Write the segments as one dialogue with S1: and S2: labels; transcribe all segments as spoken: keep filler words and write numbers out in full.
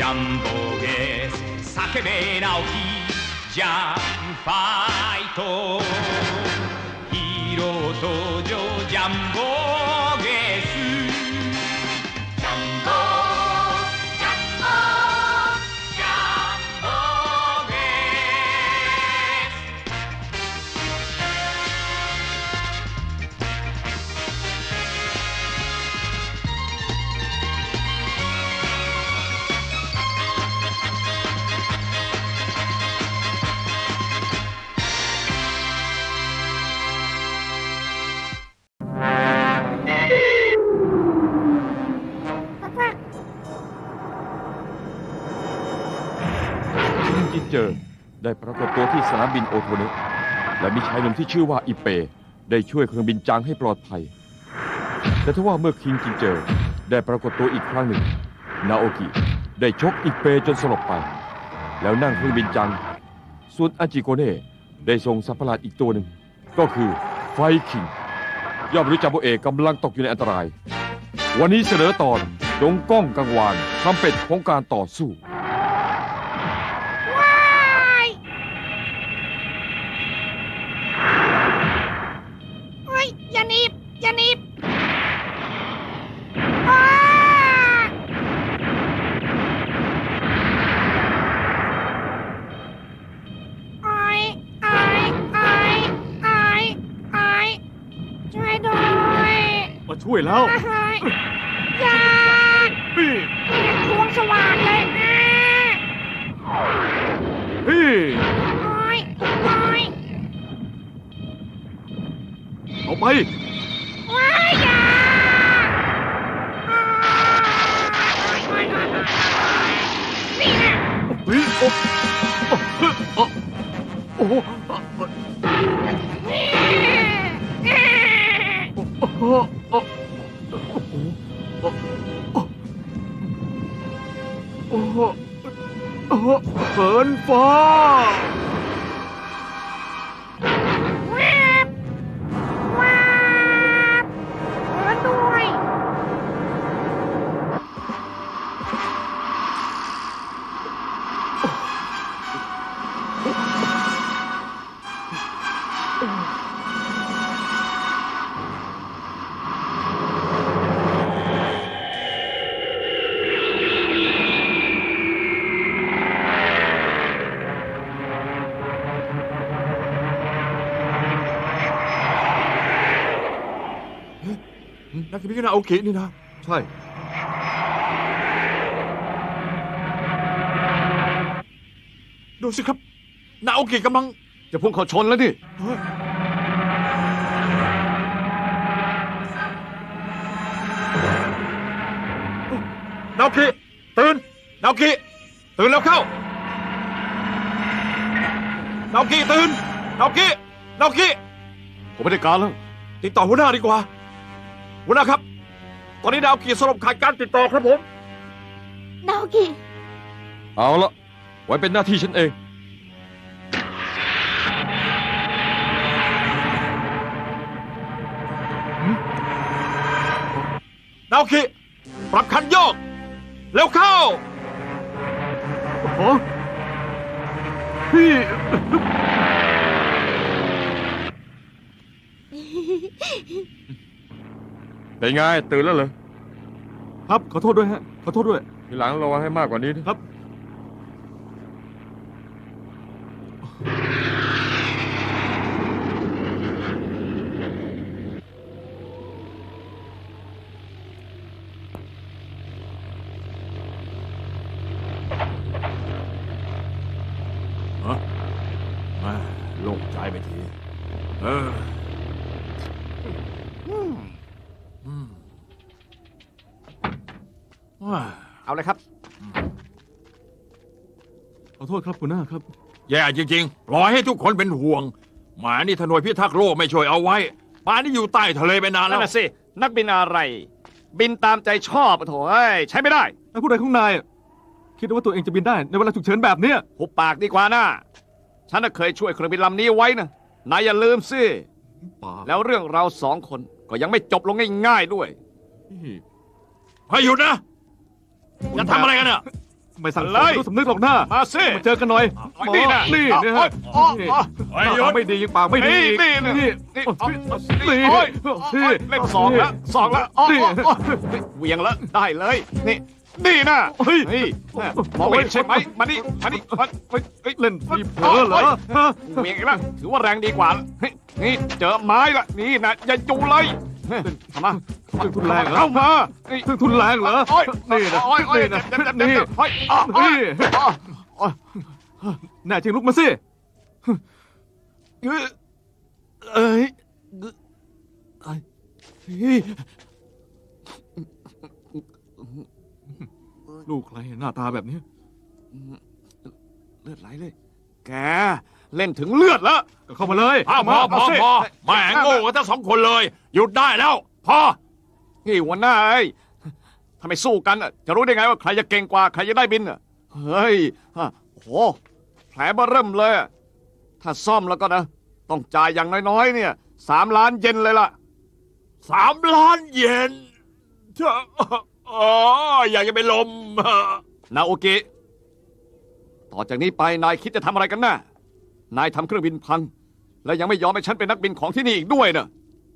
S1: ャンボゲス叫べ直樹ジャンファイトヒーロー登場ジャンボゲスジャンボジャンボジャンボゲ
S2: จินเจอได้ปรากฏตัวที่สนามบินโอโทเนะและมีชายหนุ่มที่ชื่อว่าอิเปได้ช่วยเครื่องบินจังให้ปลอดภัยแต่ทว่าเมื่อคิงจินเจอได้ปรากฏตัวอีกครั้งหนึ่งนาโอกิได้ชกอิเปจนสลบไปแล้วนั่งเครื่องบินจังส่วนอาจิโกเน่ได้ส่งสัตว์ประหลาดอีกตัวหนึ่งก็คือไฟคิงยอดมนุษย์จัมโบเอกกำลังตกอยู่ในอันตรายวันนี้เสนอตอนดงก้องกังวานทำเป็ดของการต่อสู้
S3: อย่าหนีบอย่าหนีบไอ้ไอ้ไอ้ไอ้ไอ้ช่วยด้วย
S4: มาช่วยแล้ว
S3: อย่า
S4: พี่
S3: ทวงสว่านเลยนะ
S4: พี่
S3: ไอ้ไอ้
S4: เอาไป
S3: ว้ายอย่านี่นะ
S4: เฮ้ยโอ้โอ้โอ้โอ้โอ้โอ้เฟิร์นฟ้านักบินนาโอเคนี่นะใช่ดูสิครับนาโอเคกำลังจะพุ่งเข้าชนแล้วดินาโอเคตื่นนาโอเคตื่นแล้วเข้านาโอเคตื่นนาโอเคนาโอเคผมไม่ได้การแล้วติดต่อหัวหน้าดีกว่าหัวหน้าครับตอนนี้นาโอกิสลบขาดการติดต่อครับผม
S3: นาโอกิ
S2: เอาละไว้เป็นหน้าที่ฉันเอง
S4: นาโอกิปรับคันโยกเร็วเข้าโอ้พี่
S2: เป็นไงตื่นแล้วเหรอ
S4: ครับขอโทษด้วยฮะขอโทษด้วย
S2: ทีหลังระวังให้มากกว่านี้นะครับ
S4: ฮะโล่งใจไปทีเออ
S5: เอาเลยครับ
S4: ขอโทษครับคุณหน้าครับ
S6: แย่จริงๆปล่อยให้ทุกคนเป็นห่วงหมานี่ถ้าหน่วยพิทักษ์โลกไม่ช่วยเอาไว้ป่านนี้อยู่ใต้ทะเลไปนานแล้
S5: นั่
S6: วน
S5: น่ะสินักบินอะไร บินตามใจชอบโถ่เอ้ยใช้ไม่ได้
S4: ไอ้ผู้ใดของนายคิดว่าตัวเองจะบินได้ในเวลาฉุกเฉินแบบเนี้ย
S5: หุบปากดีกว่านะฉันน่ะเคยช่วยเครื่องบินลำนี้ไว้นะนายอย่าลืมสิแล้วเรื่องเราสองคนก็ยังไม่จบลงง่ายๆด้วย
S6: ให้หยุดนะจะทำอะไรกันเนี่ย
S4: ไม่สั่งส
S5: เล
S4: อน
S5: ย
S4: รู้สำนึกหรอกหน้า
S5: มาสิ
S4: มาเจอกันหน่อย
S5: เอานี่นะ
S4: นี่
S5: เอา
S4: เนี่ย
S5: เอา
S4: ฮะ
S5: เอา
S4: นี่
S5: เอา
S6: เฮ้ยหยุด
S4: ปากไม่ดียังปากไม่ดี
S5: นี่
S4: อีก
S5: นี่นะ
S4: นี่
S5: นี่
S4: โอ้ย
S5: นี่
S4: นี่
S5: โอ้ย
S4: นี่
S5: เล่นสองแล้วสองแล้วอ๋ออ๋ออ๋อเหวียงแล้วได้เลยนี่นี่นะเฮ้ยมองไม่เห็นใช่ไหมมานี่มานี่มาเฮ้ยเฮ้ย
S4: เล่นทีเผลอเหรอฮะ
S5: เหวียงอีกแล้วถือว่าแรงดีกว่าเฮ้ยนี่เจอไม้ละนี่นะอย่าจูเลยทำมา
S4: เครื่องทุนแรงเหรอ
S5: เข้ามานี่
S4: เครื่องทุนแรงเหรอ
S5: โอ้ย
S4: นี่นะ
S5: โอ้ยโอ้ย
S4: นี่นะ
S5: เจ็บเจ็บเจ็บ
S4: นี่
S5: เจ็บเฮ้ยอ๋ออ๋อ
S4: นี่
S5: อ๋ออ๋อ
S4: แน่จริงลุกมาสิเอ้ยเอ้ยเอ้ยลูกใครหน้าตาแบบนี้
S5: เลือดไหลเลย แกเล่นถึงเลือดแล้ว
S4: ก็เข้ามาเลย
S6: อ้าวพอพอ
S5: สิ
S6: พอแหม่โง่กันทั้งสองคนเลย หยุดได้แล้ว พอ
S5: นี่หัวหน้าไอ้ยถ้าไม่สู้กันอะจะรู้ได้ไงว่าใครจะเก่งกว่าใครจะได้บินอะเฮ้ยฮะโอ้โหแผลเบ้อเริ่มเลยอะถ้าซ่อมแล้วก็นะ ต้องจ่ายอย่างน้อยๆเนี่ยสามล้านเยนเลยล่ะ
S6: สามล้านเยนเธออ๋ออยากจะไปนลม
S5: นาโอเกะต่อจากนี้ไปนายคิดจะทำอะไรกันน่ะนายทำเครื่องบินพัง และยังไม่ยอมให้ฉันเป็นนักบินของที่นี่อีกด้วยเนอะ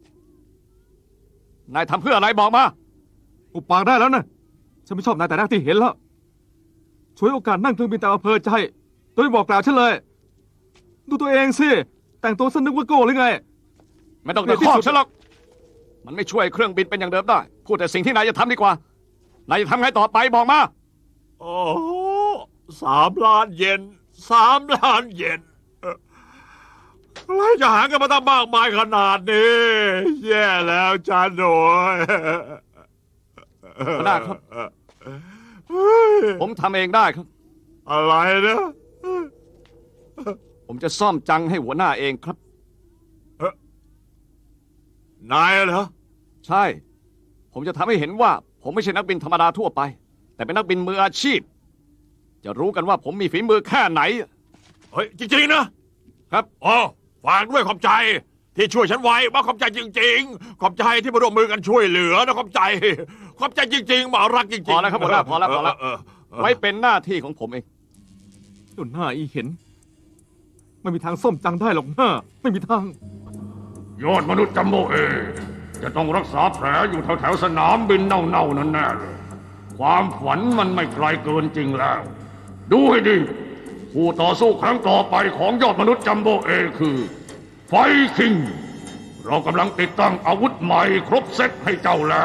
S5: นายทำเพื่ออะไรบอกมา
S4: อุปปากได้แล้วนะฉันไม่ชอบนายแต่แรกที่เห็นแล้วช่วยโอกาสนั่งเครื่องบินแต่อำเภอใจโดยไม่บอกกล่าวฉันเลย ดูตัวเองสิแต่งตัวสนึกว่าโก้หรือไง
S5: ไม่ต้องตะคอกฉันหรอก มันไม่ช่วยเครื่องบินเป็นอย่างเดิมได้ พูดแต่สิ่งที่นายจะทำดีกว่า นายจะทำไงต่อไปบอกมา
S6: โอ้สามล้านเยนสามล้านเยนเอ่ออะไรจะหากันมาตั้งมากมายขนาดนี้ แย่แล้วจานโดย
S5: หัวหน้าครับ
S6: เฮ้ย
S5: ผมทำเองได้ครับ
S6: อะไรนะ
S5: ผมจะซ่อมจังให้หัวหน้าเองครับ
S6: นายเหรอ
S5: ใช่ ผมจะทำให้เห็นว่า ผมไม่ใช่นักบินธรรมดาทั่วไป แต่เป็นนักบินมืออาชีพ จะรู้กันว่าผมมีฝีมือแค่ไหน
S6: เฮ้ย จริง ๆ นะครับ อ๋อฝากด้วยขอบใจ ที่ช่วยฉันไว้มาขอบใจจริง ๆ ขอบใจที่มาร่วมมือกันช่วยเหลือนะขอบใจ ขอบใจจริงๆหมารักจริงๆ
S5: พอแล้วครับหัวหน้าพอแล้วพอแล้ว
S6: เเออ
S5: ไว้เป็นหน้าที่ของผมเอง
S4: จนหน้าอีเห็น ไม่มีทางส้มจังได้หรอกหน้า ไม่มีทาง
S7: ยอดมนุษย์จัมโบ้เอ จะต้องรักษาแผลอยู่แถวแถวๆสนามบินเน่าๆนั่นแน่เลยความฝันมันไม่ไกลเกินจริงแล้ว ดูให้ดี ผู้ต่อสู้ครั้งต่อไปของยอดมนุษย์จัมโบ้เอคือ ไฟคิง เรากำลังติดตั้งอาวุธใหม่ครบเซตให้เจ้าแล้ว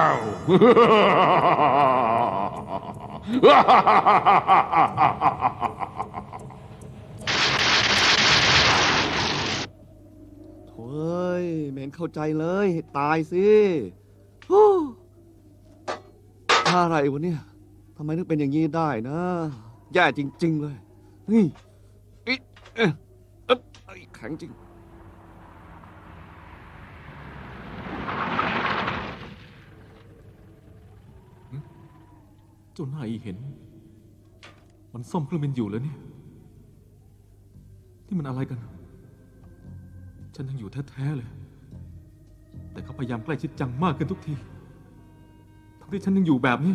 S5: เฮ้ยไม่เห็นเข้าใจเลยตายสิฮู้อะไรวะเนี่ยทำไมถึงเป็นอย่างนี้ได้นะ แย่จริง ๆ เลยนี่อิเอ๊ะเอ๊ะเอ้ยแข็งจริง
S4: จนหน้าอีเห็น มันซ่อมเครื่องบินอยู่แล้วเนี่ยนี่มันอะไรกัน ฉันยังอยู่แท้ๆเลย แต่เขาพยายามใกล้ชิดจังมากขึ้นทุกทีทั้งที่ฉันยังอยู่แบบนี้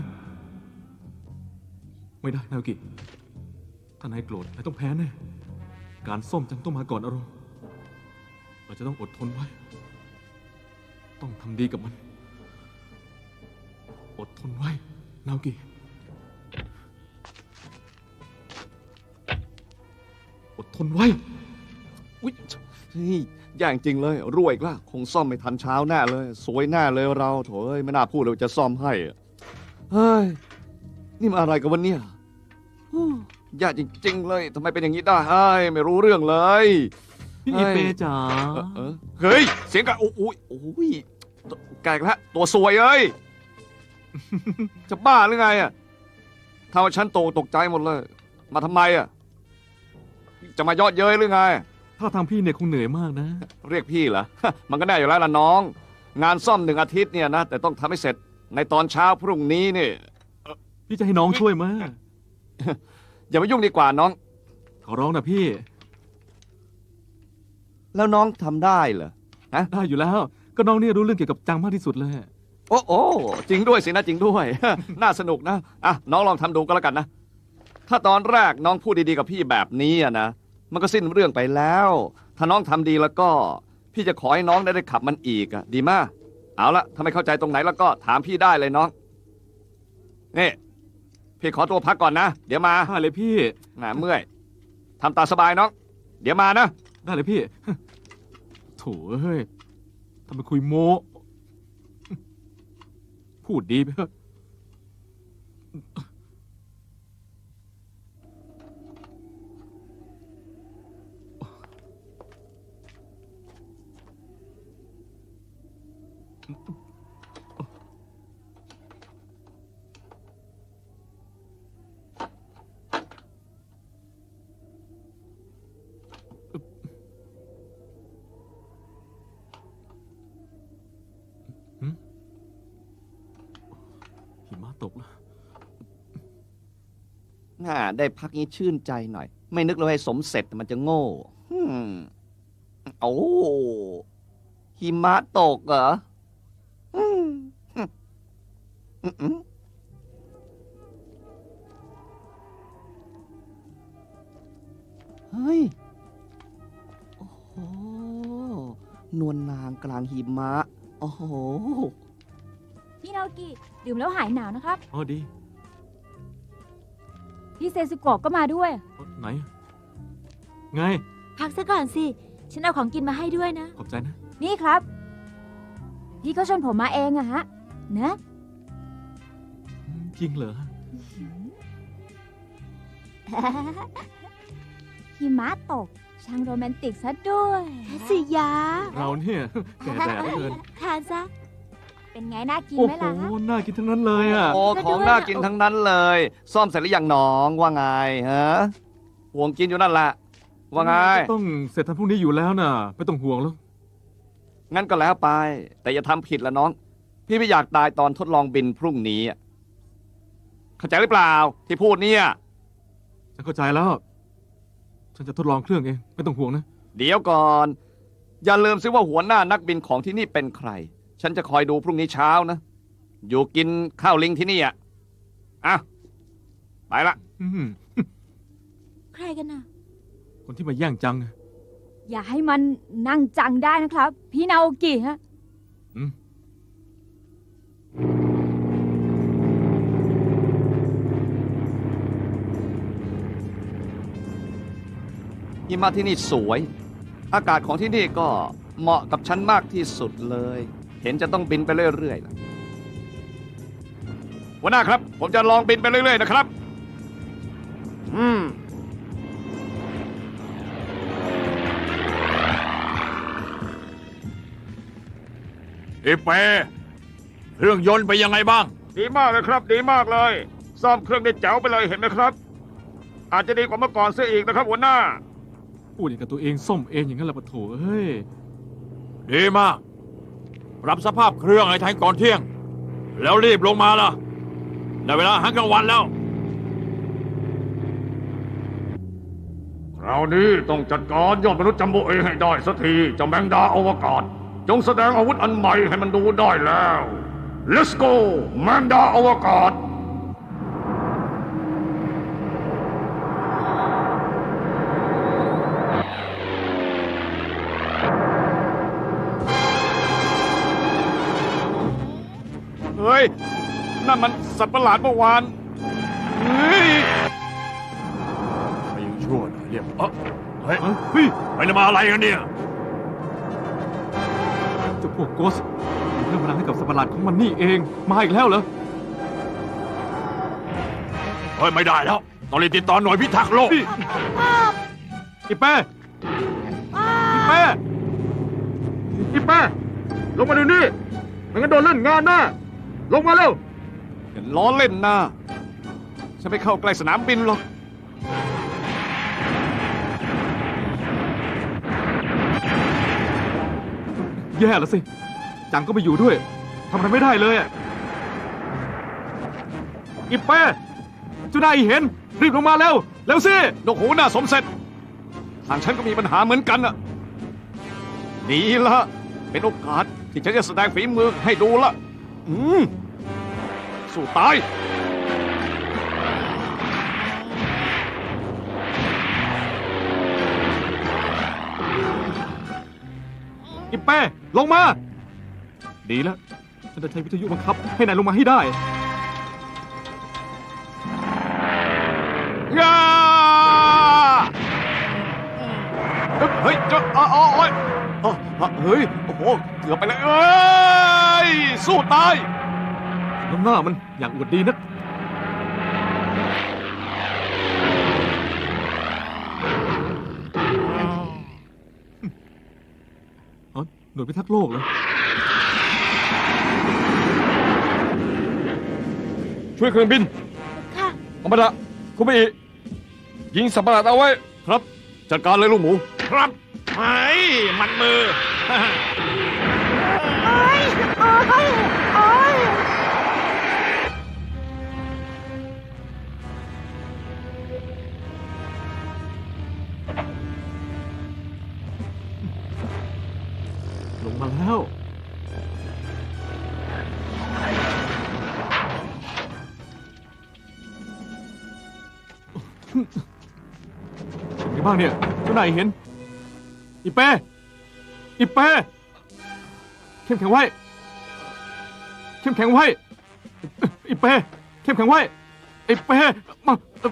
S4: ไม่ได้นาโอกิถ้านายโกรธนายต้องแพ้แน่ การซ่อมจังต้องมาก่อนอารมณ์เราจะต้องอดทนไว้ ต้องทำดีกับมัน อดทนไว้นาโอกิ อดทนไว้
S5: อุ๊ยนี่แย่จริงเลยรวยอีกแล้วคงซ่อมไม่ทันเช้าแน่เลย สวยแน่เลยเราโถเอ้ยไม่น่าพูดเลยว่าจะซ่อมให้อะเฮ้ย นี่มันอะไรกันวันนี้แย่จริง ๆ เลยทำไมเป็นอย่างนี้ได้เฮ้ยไม่รู้เรื่องเลย
S4: พี่อีเปจ๋า
S5: เออเออเฮ้ย เสียงกันโอ้ยโอ้ยแกอีกแล้วตัวสวยเอ้ย จะบ้าหรือไงอ่ะทำให้ฉันโตตกใจหมดเลย มาทำไมอ่ะ จะมายอดเย้ยหรือไง
S4: ถ้าทางพี่เนี่ยคงเหนื่อยมากนะ
S5: เรียกพี่เหรอ มันก็แน่อยู่แล้วล่ะน้อง งานซ่อมหนึ่งอาทิตย์เนี่ยนะ แต่ต้องทำให้เสร็จในตอนเช้าพรุ่งนี้นี่
S4: พี่จะให้น้องช่วยมา
S5: อย่ามายุ่งดีกว่าน้อง
S4: ขอร้องนะพี่
S5: แล้วน้องทำได้เหรอ
S4: ได้อยู่แล้ว ก็น้องเนี่ยรู้เรื่องเกี่ยวกับจังมากที่สุดเลย
S5: โอ้โอ้จริงด้วยสินะจริงด้วย น่าสนุกนะ อ่ะน้องลองทำดูก็แล้วกันนะ ทถ้าตอนแรกน้องพูดดีๆกับพี่แบบนี้อะนะมันก็สิ้นเรื่องไปแล้ว ถ้าน้องทำดีแล้วก็ พี่จะขอให้น้องได้ได้ขับมันอีกอะดีมากเอาละถ้าไม่เข้าใจตรงไหนแล้วก็ถามพี่ได้เลยน้องนี่พี่ขอตัวพักก่อนนะเดี๋ยวมา
S4: ได้เลยพี่
S5: หนาเมื่อยทำตาสบายน้องเดี๋ยวมานะ
S4: ได้เลยพี่ โถ่เฮ้ยทำเป็นคุยโม้พูดดีไปเถอะ หิมะตกแล้ว
S5: น่าได้พักนี้ชื่นใจหน่อย ไม่นึกเลยให้สมเสร็จมันจะโง่อืมโอ้หิมะตกเหรออืมอืมอืมเฮ้ย โอ้โห นวลนางกลางหิมะ โอ้โห
S8: พี่นาโอกิดื่มแล้วหายหนาวนะครับ
S4: อ๋อดี
S8: พี่เซซุโกะก็มาด้วย
S4: ไหน ไง
S8: พักซะก่อนสิ ฉันเอาของกินมาให้ด้วยนะ
S4: ขอบใจนะ
S8: นี่ครับ พี่ก็ชวนผมมาเองอะฮะนะ
S4: จริงเหรอ
S8: หิมะตก ช่างโรแมนติกซะด้วยสิยา
S4: เราเนี่ย แก่แดดเหลือเกิน
S8: ทานซะ เป็นไงน่ากิน
S4: โอ้
S8: ไหม
S4: โห
S8: ล่ะฮะ
S4: น่ากินทั้งนั้นเลยอ่ะ
S5: โอ้ของน่ากินทั้งนั้นเลย ซ่อมเสร็จหรือยังน้องว่าไงฮะห่วงกินอยู่นั่นแหละว่าไง
S4: ต้องเสร็จทันพรุ่งนี้อยู่แล้วน่ะ ไม่ต้องห่วงแล้ว
S5: งั้นก็แล้วไป แต่อย่าทำผิดละน้อง พี่ไม่อยากตายตอนทดลองบินพรุ่งนี้อะเข้าใจหรือเปล่า ที่พูดเนี่ย
S4: ฉันเข้าใจแล้ว ฉันจะทดลองเครื่องเอง ไม่ต้องห่วงนะ
S5: เดี๋ยวก่อน อย่าลืมซิว่าหัวหน้านักบินของที่นี่เป็นใคร ฉันจะคอยดูพรุ่งนี้เช้านะ อยู่กินข้าวลิงที่นี่อ่ะอ่ะไปละ
S4: อืม
S8: ใครกันน่ะ
S4: คนที่มาแย่งจังนะ
S8: อย่าให้มันนั่งจังได้นะครับ พี่นาโอกิฮะ
S4: อืม
S5: หิมะที่นี่สวย อากาศของที่นี่ก็เหมาะกับฉันมากที่สุดเลย เห็นจะต้องบินไปเรื่อยๆนะหัวหน้าครับ ผมจะลองบินไปเรื่อยๆนะครับ อืม
S6: เอเปเครื่องยนต์ไปยังไงบ้าง ดีมากเลยครับ ดีมากเลย ซ่อมเครื่องได้แจ๋วไปเลยเห็นไหมครับ อาจจะดีกว่าเมื่อก่อนเสียอีกนะครับหัวหน้า
S4: พูดอย่างกับตัวเองส้มเองอย่างนั้นแหละปะโถเฮ้ย
S6: ดีมาก ปรับสภาพเครื่องให้ทันก่อนเที่ยง แล้วรีบลงมาล่ะได้เวลาอาหารกลางวันแล้ว
S7: คราวนี้ต้องจัดการยอดมนุษย์จัมโบเอให้ได้สักทีเจ้าแมงดาอวกาศ จงแสดงอาวุธอันใหม่ให้มันดูได้แล้ว Let's go แมงดาอวกาศ
S5: เฮ้ย นั่นมันสัตว์ประหลาดเมื่อวาน เฮ้ย
S6: ไปยังชั่วหน่อยเรียบเอ้อเฮ้ย
S4: เฮ้ย
S6: ไปแล้วมาอะไรกันเนี่ย
S4: เจ้าพวกโกสเรื่องพลังให้กับสัตว์ประหลาดของมันนี่เอง มาอีกแล้วเหรอ
S6: เฮ้ย ไม่ได้แล้ว ต้องรีบติดต่อหน่วยพิทักษ์โลก
S4: พี่อีเป้อีเป้อีเป้ลงมาดูนี่ไม่งั้นโดนเล่นงานแน่ลงมาเร็ว
S5: อย่าล้อเล่นนะฉันไม่เข้าใกล้สนามบินหรอก
S4: แย่แล้วสิ จังก็ไม่อยู่ด้วย ทำอะไรไม่ได้เลยอะอีเป้เจ้านายเห็น รีบลงมาเร็ว เร็วสิ
S5: นกหูหน้าสมเสร็จ ทางฉันก็มีปัญหาเหมือนกันอะดีละเป็นโอกาสที่ฉันจะแสดงฝีมือให้ดูละ อืม สู้ตาย
S4: อีเป้ลงมา ดีแล้วฉันจะใช้วิทยุบังคับให้นายลงมาให้ได้งาเฮ้ยจะอ๋ออ๋อเฮ้ยเฮ้ยโอ้โหเกือบไปเลยเอ้ยสู้ตายน้ำหน้ามันอย่างอวดดีนักหน่วยพิทักษ์โลกเหรอ
S2: ช่วยเครื่องบิน
S8: ค่ะ
S2: อมดะคุณไม่ยิงสัมปะหลาดเอาไว้
S5: ครับ จัดการเลยลูกหมู
S6: ครับไอ้มันมือ
S3: โอ้ยโอ้ยโอ้ย
S4: ลงมาแล้วเป็นไงบ้างเนี่ยเจ้านายเห็น อีเป้ อีเป้ เข้มแข็งไว้ เข้มแข็งไว้ อีเป้ เข้มแข็งไว้ อีเป้ มา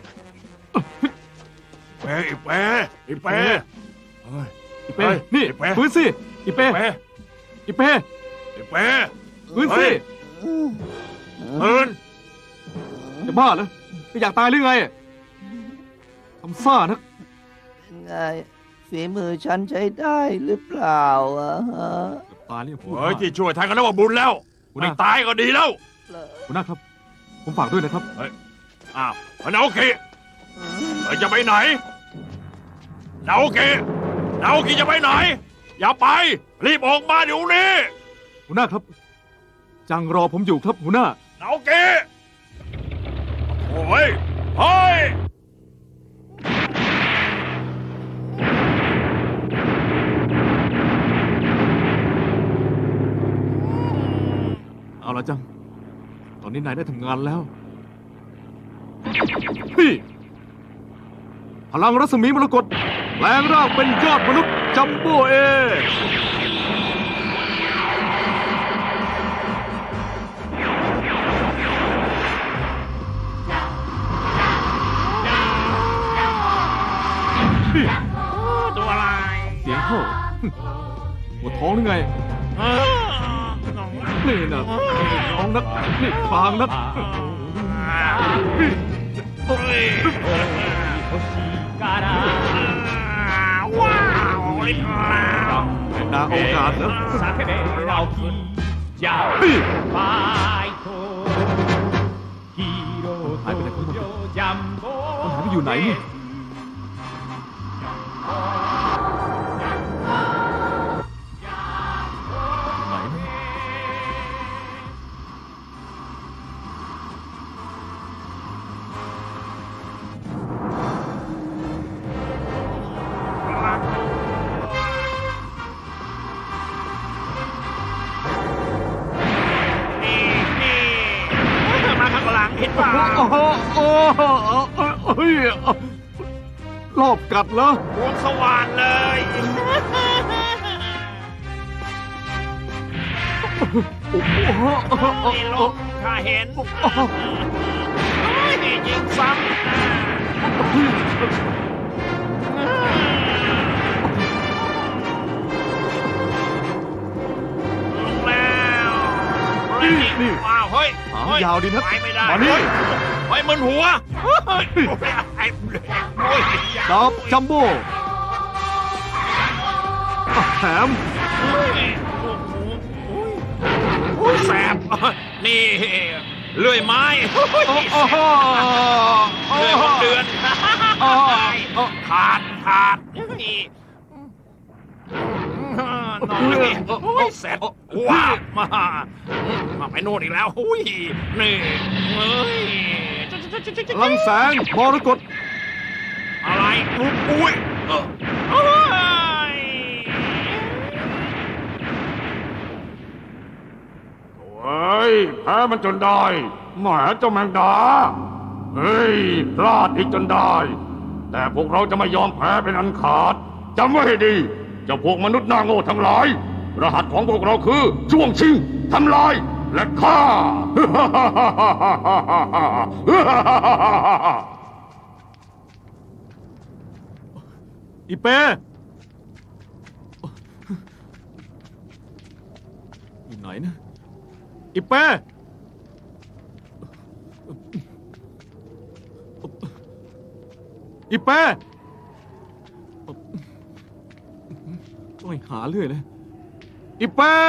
S6: เป้อีเป้อีเป้เฮ้ย
S4: อีเป้
S6: เฮ้ย
S4: นี่
S6: อีเป้
S4: ฟื้นสิ อีเป้
S6: เป้
S4: อีเป้
S6: อีเป้
S4: ฟื้นสิ
S6: เฮ้ย พื้น
S4: จะบ้าเหรอไม่อยากตายหรือไงทำซ่านัก
S9: ไงฝีมือฉันใช้ได้หรือเปล่าอะฮะ
S4: ตายนี่พูด
S6: เฮ้ยที่ช่วยทางกันแล้วว่าบุญแล้วคุณไม่ตายก็ดีแล้ว
S4: หัวหน้าครับ ผมฝากด้วยนะครับ
S6: อ้าวนาโอกิเฮ้ยจะไปไหนนาโอกินาโอกิจะไปไหน อย่าไป รีบออกมาเดี๋ยวนี้
S4: หัวหน้าครับ จังรอผมอยู่ครับหัวหน้า
S6: นาโอกิโอ้ยเฮ้ย
S4: เอาละจัง ตอนนี้นายได้ทำงานแล้วพี่พลังรัศมีมรกตแปลงร่างเป็นยอดมนุษย์จัมโบ้เอพี่
S6: ตัวอะไร
S4: เสียงเข้าหัวท้องหรือไง นี่นะท้องนัก นี่ฟางนักพี่
S6: เฮ้ย
S1: 欲しいから
S6: ว้าวไอ้เรา
S4: นาโอกาสเหรอ
S1: 叫べ直樹じゃ
S4: พี่
S1: ファイトヒーロー登場ジャンボ
S4: มันหายไปอยู่ไหนนี่ไหนนะ
S6: นี่นี่มาข้างหลังเห็นป่ะ
S4: โอ้โหโอ้โหเฮ้ยรอบกัดเหรอ
S6: วงสว่านเลย
S4: โอ้โห
S6: นี่ลงข้าเห็นนี่ยิงซ้ำลงแล้วว้าวเฮ้ย
S4: หางยาวดีนะ
S6: ไปไม่ได้
S4: มานี่
S6: เฮ้ยมึนหัวไอ้โอ้ย
S4: ดาบจัมโบ้อ่ะแถม
S6: โอ้ยแสบนี่เลื่อยไม้
S4: โอ้โห
S6: เลื่อยหกเดือนขาดขาดนี่นอนนี่โอ้ยแสบว้าวมามาไปโน่นอีกแล้วอุ้ยนี่เฮ้ย
S4: ลังแสงมรกต
S6: อะไรอุ้ยอุ้ยเอ้ย
S7: เฮ้ยแพ้มันจนได้แหมเจ้าแมงดา เฮ้ยพลาดอีกจนได้ แต่พวกเราจะไม่ยอมแพ้เป็นอันขาดจำไว้ให้ดีเจ้าพวกมนุษย์หน้าโง่ทั้งหลายรหัสของพวกเราคือช่วงชิงทำลายและฆ่า
S4: อีเป้อยู่ไหนนะอีเป้อีเป้ต้องหาเรื่อยเลยอีเป้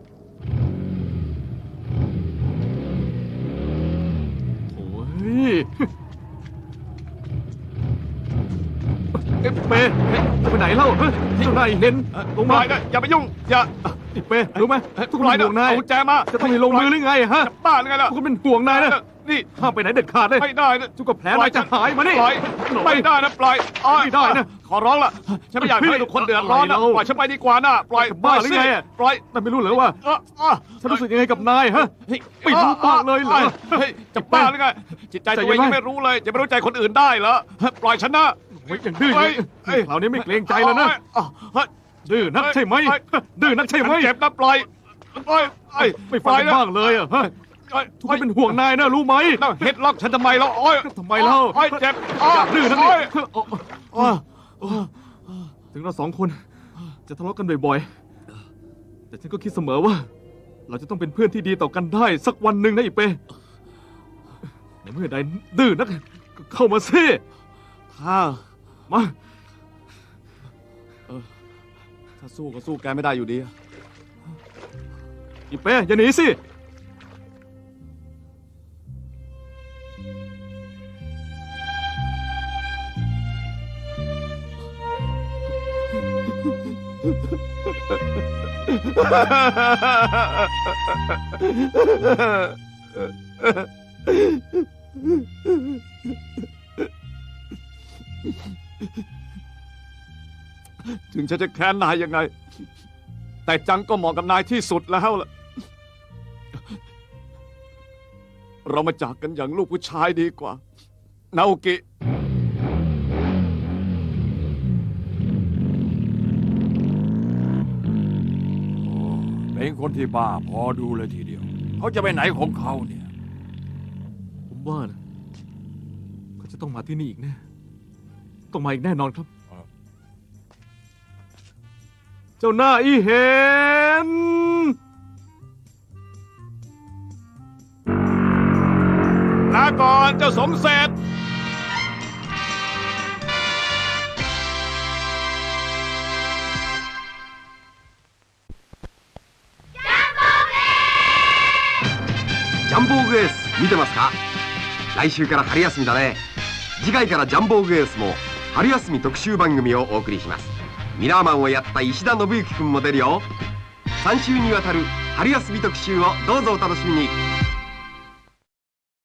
S4: โถ่เฮ้ยเอ๊ะเป้ไปไหนเล่าเฮ้ยเจ้านายเห็นลง
S5: ปล่
S4: มา
S5: อยนะอย่าไปยุ่งอย่า
S4: อีเป้รู้ไหมทุกคน
S5: ปล่อย
S4: เป็น
S5: นะ
S4: ห่วงนาย
S5: เอากุญแจมา
S4: จะต้องมีลงมือหรือไงฮะ
S5: บ้าหรือไงล่ะ
S4: ทุกคนเป็นห่วงนายนะ
S5: นี่
S4: ห้ามไปไหนเด็ดขาดเลย
S5: ไม่ได้นะ
S4: ทุกคนแผลนายจะหายมานี่
S5: ปล่อยไม่ได้นะปล่อยอ้อย
S4: ไม่ได้นะ
S5: ขอร้องล่ะฉันไม่อยากให้ทุกคนเดือดร้อนนะ
S4: อะไรเรา
S5: ปล่อยฉันไปดีกว่านะปล่อย
S4: บ้าหรือไงอะ
S5: ปล่อย
S4: นายไม่รู้เหรอว่า
S5: เออเออ
S4: ฉันรู้สึกยังไงกับนายฮะ
S5: เฮ้ย
S4: ไม่รู้บ้างเลยเหรอ
S5: เฮ้ยจะบ้าหรือไงจิตใจตัวเองยังไม่รู้เลยจะไม่รู้ใจคนอื่นได้เหรอปล่อยฉันนะ
S4: โอ้ยอย่างดื้อเลย
S5: เฮ้ย
S4: คราวนี้ไม่เกรงใจแล้วนะ
S5: เฮ้ย
S4: ดื้อนักใช่ไหม
S5: เฮ้ย
S4: ดื้อนักใช่ไหม
S5: ฉันเจ็บนะปล่อยปล่อยเอ้ย
S4: ไม่ฟังกันบ้างเลยอะฮะ
S5: ปล่อย
S4: ทุกคนเป็นห่วงนายนะรู้ไหม
S5: แล้วเฮ็ดล็อกฉันทำไมแล้วโอ้ย
S4: ทำไมเล่า
S5: โอ้ยเจ็บ
S4: อย่าดื้อนักนี่
S5: โอ้ย
S4: ถึงเราสองคนจะทะเลาะกันบ่อยๆ แต่ฉันก็คิดเสมอว่า เราจะต้องเป็นเพื่อนที่ดีต่อกันได้สักวันหนึ่งนะอีเป้ในเมื่อใดดื้อนักก็เข้ามาสิ
S5: ถ้า
S4: มา
S5: ถ้าสู้ก็สู้แกไม่ได้อยู่ดี
S4: อีเป้อย่าหนีสิ
S5: ถึงฉันจะแค้นนายยังไง แต่จังก็เหมาะกับนายที่สุดแล้วล่ะ เรามาจากกันอย่างลูกผู้ชายดีกว่า นาโอกิ
S10: เป็นคนที่บ้าพอดูเลยทีเดียว เขาจะไปไหนของเขาเนี่ย
S4: ผมว่านะเขาจะต้องมาที่นี่อีกแน่ต้องมาอีกแน่นอนครับ เจ้าหน้าอีเห็น
S5: ลาก่อนเจ้าสมเสร็จ
S11: ジャンボーグエース見てますか？来週から春休みだね。次回からジャンボーグエースも春休み特集番組をお送りします。ミラーマンをやった石田信之君も出るよ。さん週にわたる春休み特集をどうぞお楽しみに。